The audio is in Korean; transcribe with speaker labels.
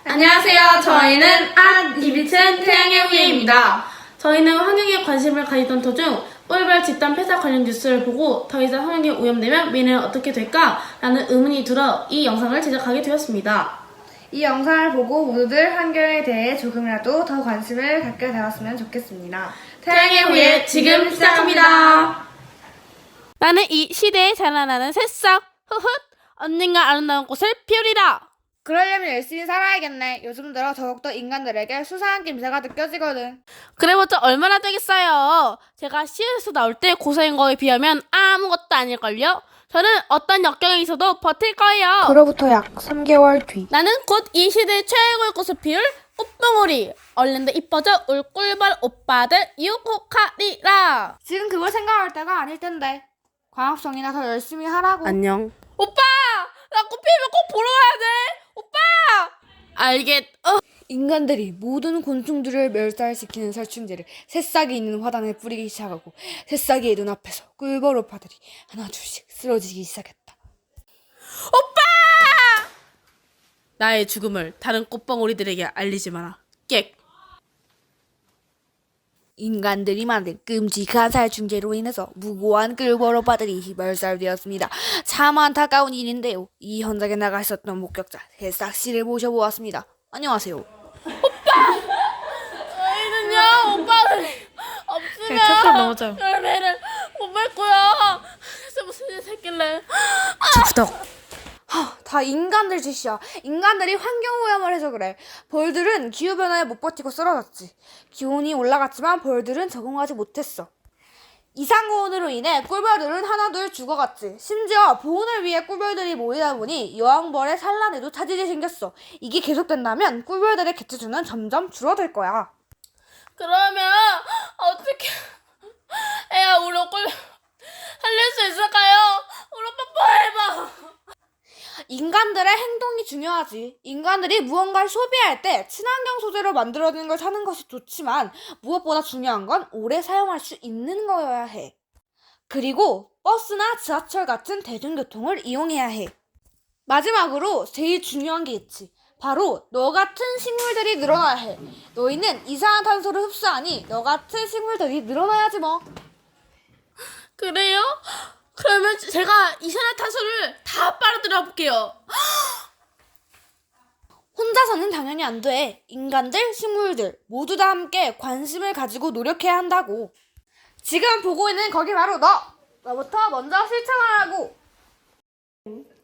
Speaker 1: 안녕하세요. 저희는 이비튼 태양의 후예입니다. 저희는 환경에 관심을 가지던 도중 꿀벌 집단 폐사 관련 뉴스를 보고 더 이상 환경이 오염되면 미래는 어떻게 될까? 라는 의문이 들어 이 영상을 제작하게 되었습니다.
Speaker 2: 이 영상을 보고 모두들 환경에 대해 조금이라도 더 관심을 갖게 되었으면 좋겠습니다.
Speaker 1: 태양의 후예 지금 시작합니다. 나는 이 시대에 자라나는 새싹 흐흐 언젠가 아름다운 꽃을 피우리라.
Speaker 2: 그러려면 열심히 살아야겠네. 요즘 들어 더욱더 인간들에게 수상한 김새가 느껴지거든.
Speaker 1: 그래봤자 얼마나 되겠어요. 제가 시에서 나올 때 고생한 거에 비하면 아무것도 아닐걸요. 저는 어떤 역경에 있어도 버틸 거예요.
Speaker 2: 그로부터 약 3개월 뒤.
Speaker 1: 나는 곧 이 시대의 최고의 꽃을 피울 꽃봉오리. 얼른도 이뻐져 울 꿀벌 오빠들 유혹하리라.
Speaker 2: 지금 그걸 생각할 때가 아닐 텐데. 광합성이나 더 열심히 하라고.
Speaker 1: 안녕. 오빠! 나 꽃 피우면 꼭 보러 가야 돼. 오빠!
Speaker 2: 인간들이 모든 곤충들을 멸살시키는 살충제를 새싹이 있는 화단에 뿌리기 시작하고 새싹이의 눈앞에서 꿀벌 오빠들이 하나 둘씩 쓰러지기 시작했다.
Speaker 1: 나의 죽음을 다른 꽃봉오리들에게 알리지 마라. 객.
Speaker 2: 인간들이 만든 끔찍한 살충제로 인해서 무고한 꿀벌 오빠들이 멸살되었습니다. 참 안타까운 일인데요. 이 현장에 나가 있었던 목격자 새싹씨를 모셔보았습니다. 안녕하세요.
Speaker 1: 저희는요 오빠들 없으면
Speaker 2: 첫째 넘어져요.
Speaker 1: 열매를 못 맺고요. 그래서 무슨 일 생길래?
Speaker 2: 주부덕. 다 인간들 짓이야. 인간들이 환경오염을 해서 그래. 벌들은 기후변화에 못 버티고 쓰러졌지. 기온이 올라갔지만 벌들은 적응하지 못했어. 이상고온으로 인해 꿀벌들은 하나둘 죽어갔지. 심지어 보온을 위해 꿀벌들이 모이다 보니 여왕벌의 산란에도 차질이 생겼어. 이게 계속된다면 꿀벌들의 개체수는 점점 줄어들 거야.
Speaker 1: 그러면 어떻게 애야 우리 꿀 살릴 수 있을까요? 우리 오빠 뽀해봐.
Speaker 2: 인간들의 행동이 중요하지. 인간들이 무언가를 소비할 때 친환경 소재로 만들어진 걸 사는 것이 좋지만 무엇보다 중요한 건 오래 사용할 수 있는 거여야 해. 그리고 버스나 지하철 같은 대중교통을 이용해야 해. 마지막으로 제일 중요한 게 있지. 바로 너 같은 식물들이 늘어나야 해. 너희는 이산화탄소를 흡수하니 너 같은 식물들이 늘어나야지 뭐.
Speaker 1: 그래요? 그러면 제가 이산화탄소를 다 빨아들여 볼게요.
Speaker 2: 혼자서는 당연히 안 돼. 인간들, 식물들 모두 다 함께 관심을 가지고 노력해야 한다고. 지금 보고 있는 거기 바로 너! 너부터 먼저 실천하라고.